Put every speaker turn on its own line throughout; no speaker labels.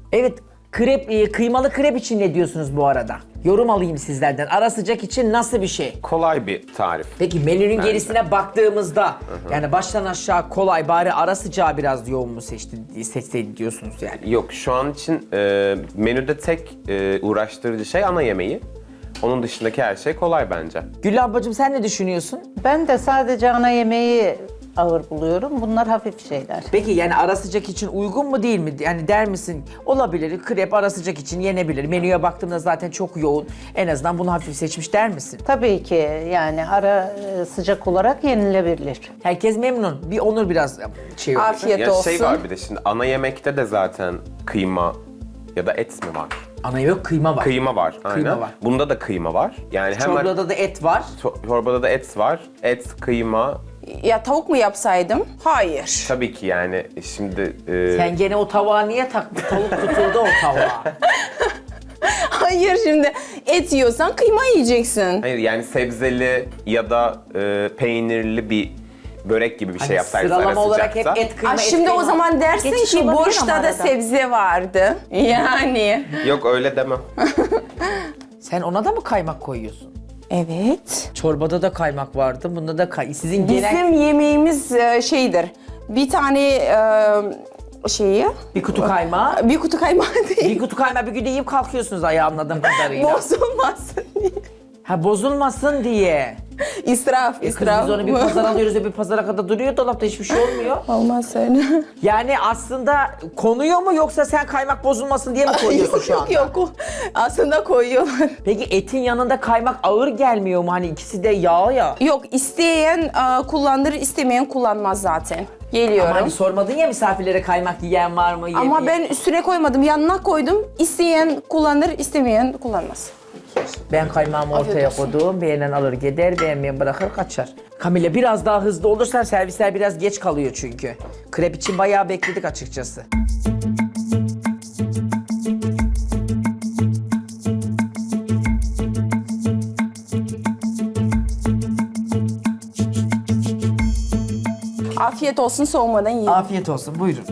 Evet, krep, kıymalı krep için ne diyorsunuz bu arada? Yorum alayım sizlerden. Ara sıcak için nasıl bir şey?
Kolay bir tarif.
Peki menünün gerisine baktığımızda yani baştan aşağı kolay bari ara sıcağı biraz yoğun mu seçseydi diyorsunuz yani?
Yok, şu an için menüde tek uğraştırıcı şey ana yemeği. Onun dışındaki her şey kolay bence.
Gül ablacığım sen ne düşünüyorsun?
Ben de sadece ana yemeği ağır buluyorum. Bunlar hafif şeyler.
Peki yani ara sıcak için uygun mu değil mi? Yani der misin olabilir krep ara sıcak için yenebilir. Menüye baktığımda zaten çok yoğun. En azından bunu hafif seçmiş der misin?
Tabii ki yani ara sıcak olarak yenilebilir.
Herkes memnun. Bir Onur biraz şey oldu.
Afiyet
Ya
olsun.
şey var bir de şimdi ana yemekte de zaten kıyma ya da et mi var?
Ana yok kıyma var.
Kıyma var. Aynen.
var.
Bunda da kıyma var. Yani hemen
Çorbada da et var.
çorbada da et var. Et, kıyma.
Ya tavuk mu yapsaydım? Hayır.
Tabii ki yani şimdi
Sen gene o tavuğa niye taktın? Tavuk tutuldu o tavuğa.
Hayır, şimdi et yiyorsan kıyma yiyeceksin.
hayır yani sebzeli ya da peynirli bir börek gibi bir şey
Hani
yapsaydınız ara
sıralama olarak hep
sıcaksa.
et kıyma et
Şimdi
kıyma.
o zaman dersin
Geçiş
ki
olabilir ama
boşta da
arada.
sebze vardı. Yani.
Yok öyle demem.
Sen ona da mı kaymak koyuyorsun?
Evet.
Çorbada da kaymak vardı. Bunda da sizin genel
Bizim yemeğimiz şeydir. Bir tane şeyi,
bir kutu kaymağı.
bir kutu kaymağı değil.
Bir kutu kaymağı bir günde yiyip kalkıyorsunuz ayağı anladığım kadarıyla.
Bozulmasın diye.
Ha bozulmasın diye.
İsraf,
Kız
israf.
biz onu bir pazar alıyoruz ve bir pazara kadar duruyor dolapta hiçbir şey olmuyor.
Olmaz öyle.
Yani aslında konuyor mu yoksa sen kaymak bozulmasın diye mi koyuyorsun şu anda?
Yok. Aslında koyuyorlar.
Peki etin yanında kaymak ağır gelmiyor mu? Hani ikisi de yağ ya.
Yok, isteyen kullanır, istemeyen kullanmaz zaten. Geliyorum.
Ama hani sormadın ya misafirlere kaymak yiyen var mı?
Ama
yemeyen?
ben üstüne koymadım, yanına koydum. İsteyen kullanır, istemeyen kullanmaz.
Ben kaymağımı ortaya
olsun.
koydum. Beğenen alır gider, beğenmeyen bırakır kaçar. Kamile biraz daha hızlı olursan servisler biraz geç kalıyor çünkü. Krep için bayağı bekledik açıkçası.
Afiyet olsun, soğumadan yiyin.
Afiyet olsun buyurun.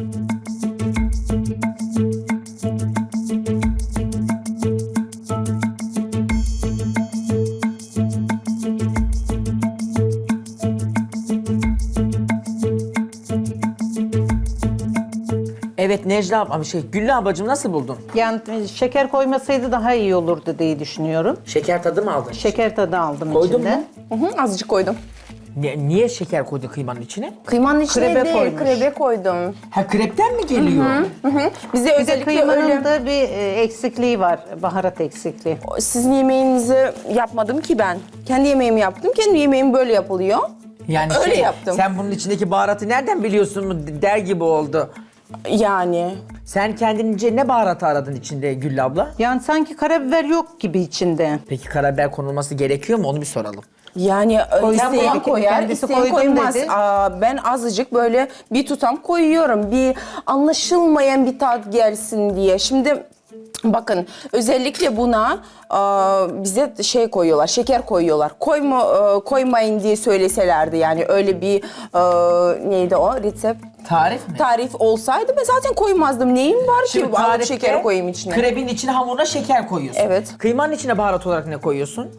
Evet Necla abla, Güllü ablacığım nasıl buldun?
Yani şeker koymasaydı daha iyi olurdu diye düşünüyorum.
Şeker tadı mı aldın?
Şeker tadı aldım
Koydun
içinde.
mu?
Azıcık koydum.
Niye şeker koydun kıymanın içine?
Kıymanın içine
Krebe
değil,
koymuş.
krebe koydum.
Ha krepten mi geliyor?
Bize
Bir de
özellikle
kıymanın
öyle...
da bir eksikliği var, baharat eksikliği.
Sizin yemeğinizi yapmadım ki ben. Kendi yemeğimi yaptım, kendi yemeğim böyle yapılıyor.
Yani
Öyle yaptım.
Sen bunun içindeki baharatı nereden biliyorsun mu der gibi oldu.
Yani.
Sen kendince ne baharatı aradın içinde Güllü abla?
Yani sanki karabiber yok gibi içinde.
Peki karabiber konulması gerekiyor mu onu bir soralım.
Yani
Koysan
isteyen
dedi ki
koyar,
kendisi
isteyen
koydum
koymaz.
dedi.
Ben azıcık böyle bir tutam koyuyorum. Bir anlaşılmayan bir tat gelsin diye. Şimdi bakın özellikle buna bize şey koyuyorlar, şeker koyuyorlar. Koymayın diye söyleselerdi yani öyle bir neydi o resept?
Tarif mi?
Tarif olsaydı ben zaten koymazdım. Neyim var ki alıp
tarifte
şeker koyayım içine?
Krebin içine hamuruna şeker koyuyorsun.
Evet.
Kıymanın içine baharat olarak ne koyuyorsun?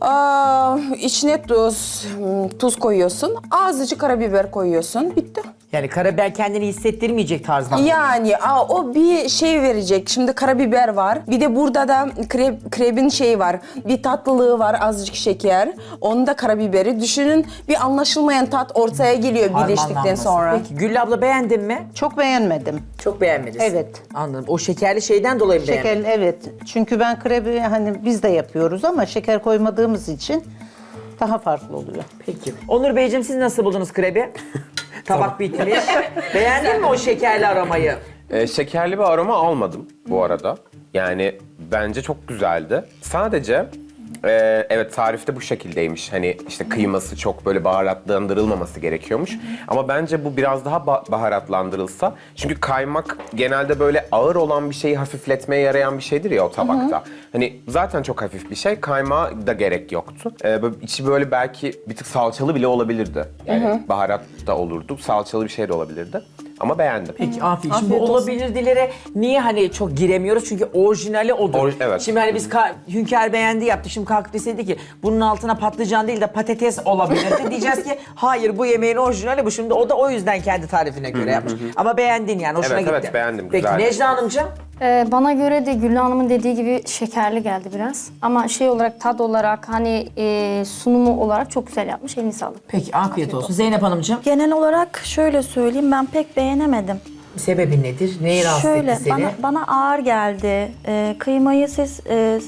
İçine tuz koyuyorsun. Azıcık karabiber koyuyorsun. Bitti.
Yani karabiber kendini hissettirmeyecek tarzda.
Yani o bir şey verecek. Şimdi karabiber var. Bir de burada da krebin şeyi var. Bir tatlılığı var, azıcık şeker. Onun da karabiberi. Düşünün bir anlaşılmayan tat ortaya geliyor birleştikten
Harmanlanması.
sonra.
Peki Güllü abla beğendin mi?
Çok beğenmedim.
Çok beğenmedin.
Evet.
Anladım. O şekerli şeyden dolayı mı
Şeker,
beğenmedin?
evet. Çünkü ben krebi hani biz de yapıyoruz ama şeker koymadığımız için daha farklı oluyor.
Peki. Onur Beyciğim siz nasıl buldunuz krebi? Tabak bitmiş. Beğendin mi o şekerli aromayı?
Şekerli bir aroma almadım bu arada. Yani bence çok güzeldi. Sadece evet tarifte bu şekildeymiş. Hani işte kıyması çok böyle baharatlandırılmaması gerekiyormuş. Ama bence bu biraz daha baharatlandırılsa. Çünkü kaymak genelde böyle ağır olan bir şeyi hafifletmeye yarayan bir şeydir ya o tabakta. Hani zaten çok hafif bir şey. Kaymağa da gerek yoktu. Böyle içi böyle belki bir tık salçalı bile olabilirdi. Yani baharat da olurdu. Salçalı bir şey de olabilirdi. Ama beğendim.
Peki afiyet. Şimdi
Afiyet
bu
olsun.
olabilirdilere niye hani çok giremiyoruz? Çünkü orijinali odur.
Evet.
Şimdi hani biz Hünkar beğendi yaptı. Şimdi kalkıp deseydi ki bunun altına patlıcan değil de patates olabilirdi. Diyeceğiz ki hayır bu yemeğin orijinali bu. Şimdi o da o yüzden kendi tarifine göre yapmış. Ama beğendin yani hoşuna
Evet,
gitti.
evet, beğendim,
Peki
güzeldi.
Necla Hanımcığım?
Bana göre de Güllü Hanım'ın dediği gibi şekerli geldi biraz. Ama şey olarak, tad olarak, hani sunumu olarak çok güzel yapmış. Eline sağlık.
Peki afiyet olsun. Zeynep Hanımcığım
Genel olarak şöyle söyleyeyim, ben pek beğenemedim.
sebebi nedir? Neyi rahatsız
Şöyle,
etti seni?
bana ağır geldi. Kıymayı siz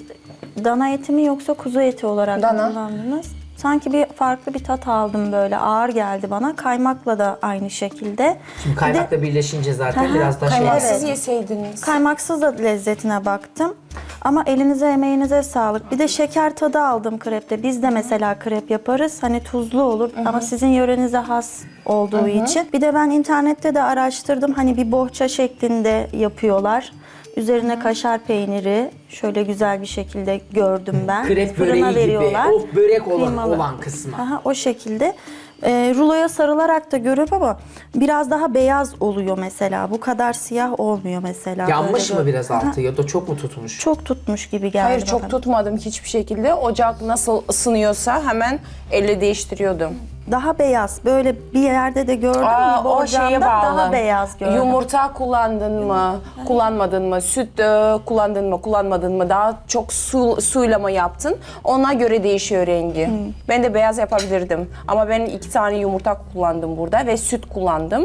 dana eti mi yoksa kuzu eti olarak
Dana.
kullandınız? Sanki bir farklı bir tat aldım böyle. Ağır geldi bana. Kaymakla da aynı şekilde.
Şimdi kaymakla birleşince zaten
Aha,
biraz daha şey...
Kaymaksız
Evet.
yeseydiniz.
Kaymaksız da lezzetine baktım. Ama elinize emeğinize sağlık. Bir de şeker tadı aldım krepte. Biz de mesela krep yaparız. Hani tuzlu olur ama sizin yörenize has olduğu için. Bir de ben internette de araştırdım. Hani bir bohça şeklinde yapıyorlar. Üzerine kaşar peyniri şöyle güzel bir şekilde gördüm ben.
Krep
Fırına
böreği gibi. O börek
Kıymalı.
olan kısmı.
Aha, o şekilde. Ruloya sarılarak da görüp ama biraz daha beyaz oluyor mesela. Bu kadar siyah olmuyor mesela.
Yanmış
Böyle
mı biraz
Aha,
altı ya da çok mu tutmuş?
çok tutmuş gibi geldi
Hayır
bana.
çok tutmadım hiçbir şekilde. Ocak nasıl ısınıyorsa hemen elle değiştiriyordum.
Daha beyaz. Böyle bir yerde de gördüm. bir
O şeye
borcamda
bağlı.
daha beyaz gördüm.
Yumurta kullandın mı, kullanmadın mı? Süt kullandın mı, kullanmadın mı? Daha çok suyla mı yaptın? Ona göre değişiyor rengi. Ben de beyaz yapabilirdim. Ama ben 2 tane yumurta kullandım burada ve süt kullandım.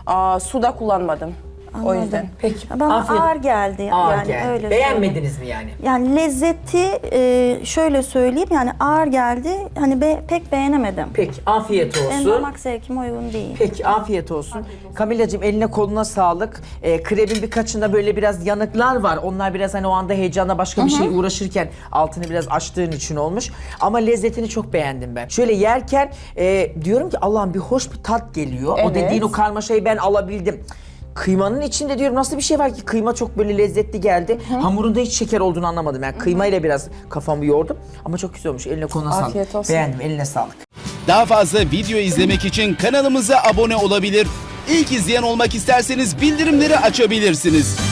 Su da kullanmadım. O yüzden.
Peki.
Bana
afiyet.
ağır geldi.
Ağır
yani
geldi.
öyle
Beğenmediniz mi yani?
Yani lezzeti şöyle söyleyeyim yani ağır geldi. Hani pek beğenemedim.
Peki afiyet
Benim
olsun.
damak zevkime uygun değil.
Peki afiyet olsun. Kamilacığım eline koluna sağlık. Krebin birkaçında böyle biraz yanıklar var. Onlar biraz hani o anda heyecanla başka bir şey uğraşırken altını biraz açtığın için olmuş. Ama lezzetini çok beğendim ben. Şöyle yerken diyorum ki Allah'ım bir hoş bir tat geliyor. O
Evet.
dediğin o karmaşayı ben alabildim. Kıymanın içinde diyorum nasıl bir şey var ki kıyma çok böyle lezzetli geldi. Hamurunda hiç şeker olduğunu anlamadım. Yani kıymayla biraz kafamı yordum. Ama çok güzel olmuş. Eline koluna sağlık.
Afiyet olsun.
Beğendim. Eline sağlık.
Daha fazla video izlemek için kanalımıza abone olabilir. İlk izleyen olmak isterseniz bildirimleri açabilirsiniz.